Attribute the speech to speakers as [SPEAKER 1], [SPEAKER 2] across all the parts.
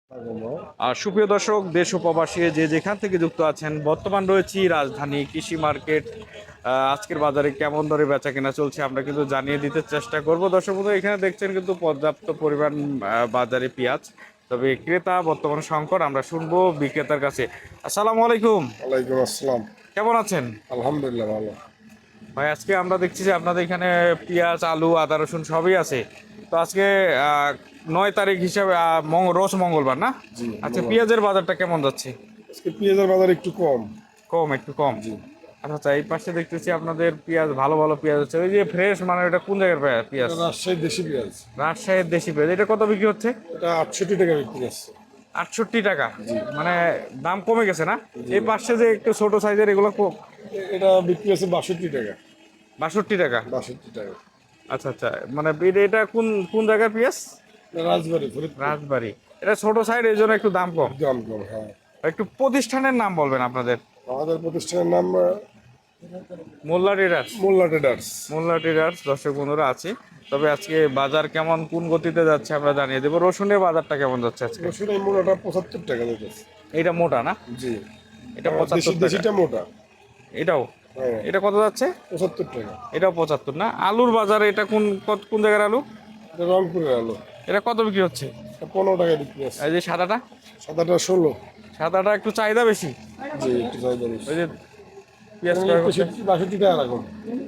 [SPEAKER 1] আর সুপ্রিয় দর্শক, দেশ ও প্রবাসী যে যেখান থেকে যুক্ত আছেন, বর্তমান রয়েছি রাজধানী কৃষি মার্কেট। আজকের বাজারে কেমন দরে বেচা কেনা চলছে আমরা কিন্তু জানিয়ে দিতে চেষ্টা করব। দর্শক বন্ধু, এখানে দেখছেন কিন্তু পর্যাপ্ত পরিমাণ বাজারে পেঁয়াজ, তবে ক্রেতা বর্তমান সংকট। আমরা শুনবো বিক্রেতার কাছে। আসসালামু আলাইকুম।
[SPEAKER 2] ওয়ালাইকুম আসসালাম।
[SPEAKER 1] কেমন আছেন
[SPEAKER 2] আলহামদুলিল্লাহ ভালো।
[SPEAKER 1] ভাই? আজকে আমরা দেখছি যে আপনাদের এখানে পেঁয়াজ, আলু, আদা, রসুন সবই আছে। তো আজকে 9 তারিখ হিসাবে রোজ মঙ্গলবার না?
[SPEAKER 2] জি
[SPEAKER 1] আচ্ছা,
[SPEAKER 2] মঙ্গলবার।
[SPEAKER 1] পেঁয়াজের বাজারটা কেমন যাচ্ছে?
[SPEAKER 2] আজকে পেঁয়াজের বাজার একটু কম।
[SPEAKER 1] কম, একটু কম।
[SPEAKER 2] জি,
[SPEAKER 1] আচ্ছা আচ্ছা, এই পাশে দেখতেছি আপনাদের পেঁয়াজ, ভালো ভালো পেঁয়াজ হচ্ছে। ওই যে ফ্রেশ, মানে এটা কোন জায়গার
[SPEAKER 2] এটা
[SPEAKER 1] পেঁয়াজ?
[SPEAKER 2] রাজশাহী দেশি পেঁয়াজ।
[SPEAKER 1] রাজশাহীর দেশি পেঁয়াজ। এটা কত বিক্রি হচ্ছে?
[SPEAKER 2] এটা 68 টাকা বিক্রি আছে।
[SPEAKER 1] 68 টাকা।
[SPEAKER 2] জি
[SPEAKER 1] মানে দাম কমে গেছে না?
[SPEAKER 2] জি।
[SPEAKER 1] এই পাশে যে একটু ছোট সাইজের এগুলো
[SPEAKER 2] এটা বিক্রি আছে 62 টাকা।
[SPEAKER 1] 62 টাকা।
[SPEAKER 2] 62 টাকা।
[SPEAKER 1] আচ্ছা আচ্ছা, মানে এটা কোন কোন জায়গার পেঁয়াজ?
[SPEAKER 2] এটা রাজবাড়ি ফরিদপুর।
[SPEAKER 1] রাজবাড়ি। এটা ছোট সাইজ, এই জন্য একটু দাম কম।
[SPEAKER 2] দাম কম, হ্যাঁ।
[SPEAKER 1] একটু প্রতিষ্ঠানের নাম বলবেন আপনাদের।
[SPEAKER 2] আমাদের প্রতিষ্ঠানের নাম
[SPEAKER 1] Molla traders.
[SPEAKER 2] Molla traders.
[SPEAKER 1] Molla traders, দর্শক বন্ধুরা আছে। তবে আজকে বাজার কেমন, কোন গতিতে যাচ্ছে আমরা জানিয়ে দেবো। রসুনের বাজারটা কেমন যাচ্ছে আজকে?
[SPEAKER 2] রসুন এই মোটাটা 75 টাকা দিতেছে।
[SPEAKER 1] এটা মোটা না?
[SPEAKER 2] জি।
[SPEAKER 1] এটা
[SPEAKER 2] আর
[SPEAKER 1] 75 টাকা।
[SPEAKER 2] দেশিটা মোটা।
[SPEAKER 1] এটাও?
[SPEAKER 2] হ্যাঁ,
[SPEAKER 1] এটা কত যাচ্ছে?
[SPEAKER 2] 75 টাকা।
[SPEAKER 1] এটাও 75 না? আলুর বাজারে এটা কোন কোন জায়গার আলু?
[SPEAKER 2] এটা রংপুরের আলু।
[SPEAKER 1] এটা কত বিক্রি হচ্ছে?
[SPEAKER 2] এটা 15 টাকা বিক্রি আছে।
[SPEAKER 1] এই যে সাদাটা?
[SPEAKER 2] সাদাটা 16।
[SPEAKER 1] সাদাটা একটু চাহিদা বেশি।
[SPEAKER 2] জি, একটু চাহিদা বেশি।
[SPEAKER 1] ওই যে পেঁয়াজ
[SPEAKER 2] এখানে
[SPEAKER 1] ক্রয় করতে।
[SPEAKER 2] 62 টাকা রাখুন।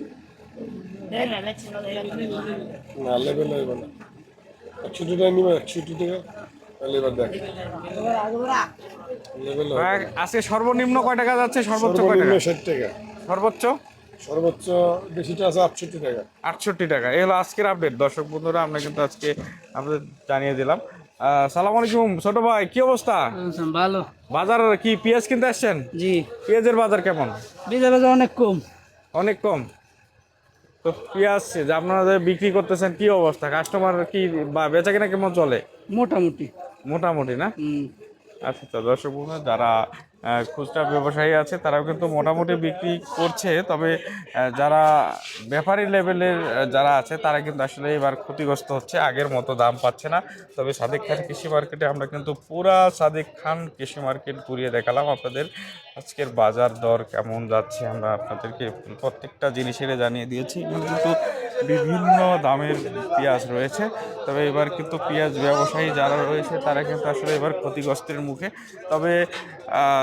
[SPEAKER 2] না, লেবেল হইব না। 61 টাকা নিবে, 61 টাকা। তাহলে এবার দেখ, লেবেল হবে
[SPEAKER 1] ভাই,
[SPEAKER 2] না।
[SPEAKER 1] আজকে সর্বনিম্ন কয় টাকা যাচ্ছে, সর্বোচ্চ কয়
[SPEAKER 2] সর্বনিম্ন
[SPEAKER 1] টাকা?
[SPEAKER 2] 60 টাকা।
[SPEAKER 1] সর্বোচ্চ
[SPEAKER 2] সর্বোচ্চ দেশিটা আছে 68 টাকা।
[SPEAKER 1] 68 টাকা। এই হলো আজকের আপডেট। দর্শক বন্ধুরা, আমরা কিন্তু আজকে আপনাদের জানিয়ে দিলাম। সালাম আলাইকুম ছোট ভাই, কি অবস্থা?
[SPEAKER 3] ভালো।
[SPEAKER 1] বাজার কি পেঁয়াজ কিনতে আসছেন?
[SPEAKER 3] জি।
[SPEAKER 1] পেঁয়াজের বাজার কেমন?
[SPEAKER 3] বীজের বাজার অনেক কম।
[SPEAKER 1] অনেক কম। তো পেঁয়াজ যে আপনারা যে বিক্রি করতেছেন, কি অবস্থা? কাস্টমার কি বা বেচা কিনা কেমন চলে?
[SPEAKER 3] মোটামুটি।
[SPEAKER 1] মোটামুটি না?
[SPEAKER 3] হুম।
[SPEAKER 1] আচ্ছা আচ্ছা, দর্শক বন্ধুরা, যারা খুচরা ব্যবসায়ী আছে তারাও কিন্তু মোটামুটি বিক্রি করছে। তবে যারা ব্যাপারী লেভেলের যারা আছে তারা কিন্তু আসলে এবার ক্ষতিগ্রস্ত হচ্ছে, আগের মতো দাম পাচ্ছে না। তবে সাদেক খান কৃষি মার্কেটে আমরা কিন্তু পুরা সাদেক খান কৃষি মার্কেট ঘুরিয়ে দেখালাম আপনাদের। আজকের বাজার দর কেমন যাচ্ছে আমরা আপনাদেরকে প্রত্যেকটা জিনিসের জানিয়ে দিয়েছি। এখানে কিন্তু বিভিন্ন দামের পেঁয়াজ রয়েছে। তবে এবার কিন্তু পেঁয়াজ ব্যবসায়ী যারা রয়েছে তারা কিন্তু আসলে এবার ক্ষতিগ্রস্তের মুখে। তবে আহ,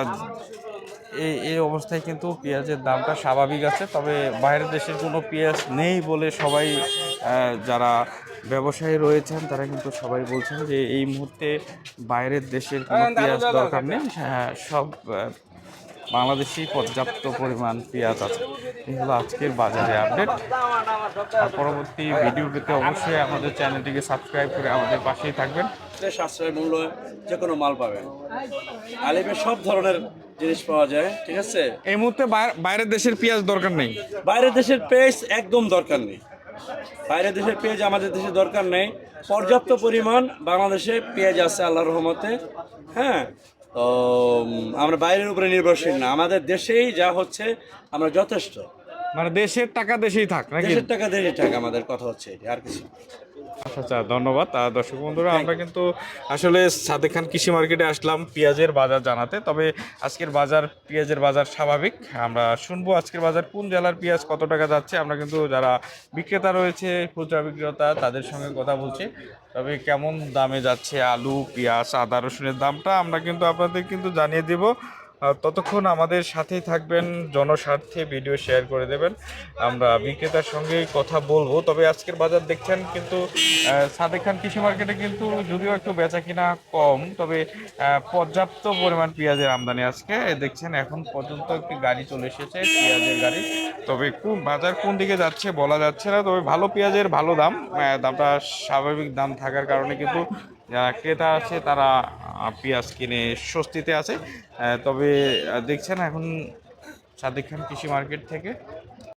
[SPEAKER 1] এই অবস্থায় কিন্তু পেঁয়াজের দামটা স্বাভাবিক আছে। তবে বাইরের দেশের কোনো পেঁয়াজ নেই বলে সবাই, যারা ব্যবসায়ী রয়েছেন তারা কিন্তু সবাই বলছেন যে এই মুহূর্তে বাইরের দেশের কোনো পেঁয়াজ দরকার নেই। হ্যাঁ, সব বাংলাদেশি পর্যাপ্ত পরিমাণ পেঁয়াজ আছে। এই হলো আজকের বাজারে আপডেট। আর পরবর্তী ভিডিও পেতে অবশ্যই আমাদের চ্যানেলটিকে সাবস্ক্রাইব করে আমাদের পাশেই থাকবেন।
[SPEAKER 4] সাশ্রয় মূল্য যে কোনো মাল পাবেন। আলিমের সব ধরনের জিনিস পাওয়া যায়, ঠিক আছে।
[SPEAKER 1] এই মুহূর্তে বাইরের দেশের পেঁয়াজ দরকার নেই।
[SPEAKER 4] বাইরের দেশের পেঁয়াজ একদম দরকার নেই। বাইরের দেশের পেঁয়াজ আমাদের দেশে দরকার নেই। পর্যাপ্ত পরিমাণ বাংলাদেশে পেঁয়াজ আছে আল্লাহর রহমতে। হ্যাঁ, তো আমরা বাইরের উপরে নির্ভরশীল না, আমাদের দেশেই যা হচ্ছে আমরা যথেষ্ট।
[SPEAKER 1] মানে দেশের টাকা দেশেই থাক নাকি?
[SPEAKER 4] দেশের টাকা দেশের টাকা, আমাদের কথা হচ্ছে এটি, আর কিছু না।
[SPEAKER 1] আচ্ছা আচ্ছা, ধন্যবাদ। দর্শক বন্ধুরা, আমরা কিন্তু আসলে সাদেক খান কৃষি মার্কেটে আসলাম পেঁয়াজের বাজার জানাতে। তবে আজকের বাজার, পেঁয়াজের বাজার স্বাভাবিক। আমরা শুনবো আজকের বাজার কোন জেলার পেঁয়াজ কত টাকা যাচ্ছে। আমরা কিন্তু যারা বিক্রেতা রয়েছে, খুচরা বিক্রেতা, তাদের সঙ্গে কথা বলছি। তবে কেমন দামে যাচ্ছে আলু, পেঁয়াজ, আদা, রসুনের দামটা আমরা কিন্তু আপনাদের কিন্তু জানিয়ে দেব। ততক্ষণ আমাদের সাথেই থাকবেন, জনস্বার্থে ভিডিও শেয়ার করে দেবেন। আমরা বিক্রেতার সঙ্গে কথা বলবো। তবে আজকের বাজার দেখছেন কিন্তু সাদেক খান কৃষি মার্কেটে কিন্তু যদিও একটু বেচা কিনা কম, তবে পর্যাপ্ত পরিমাণ পেঁয়াজের আমদানি আজকে দেখছেন। এখন পর্যন্ত একটি গাড়ি চলে এসেছে, পেঁয়াজের গাড়ি। তবে কোন বাজার কোন দিকে যাচ্ছে বলা যাচ্ছে না। তবে ভালো পেঁয়াজের ভালো দাম, দামটা স্বাভাবিক দাম থাকার কারণে কিন্তু যারা ক্রেতা আছে তারা পেঁয়াজ কিনে স্বস্তিতে আছে। তবে দেখছেন এখন সাদেক খান কৃষি মার্কেট থেকে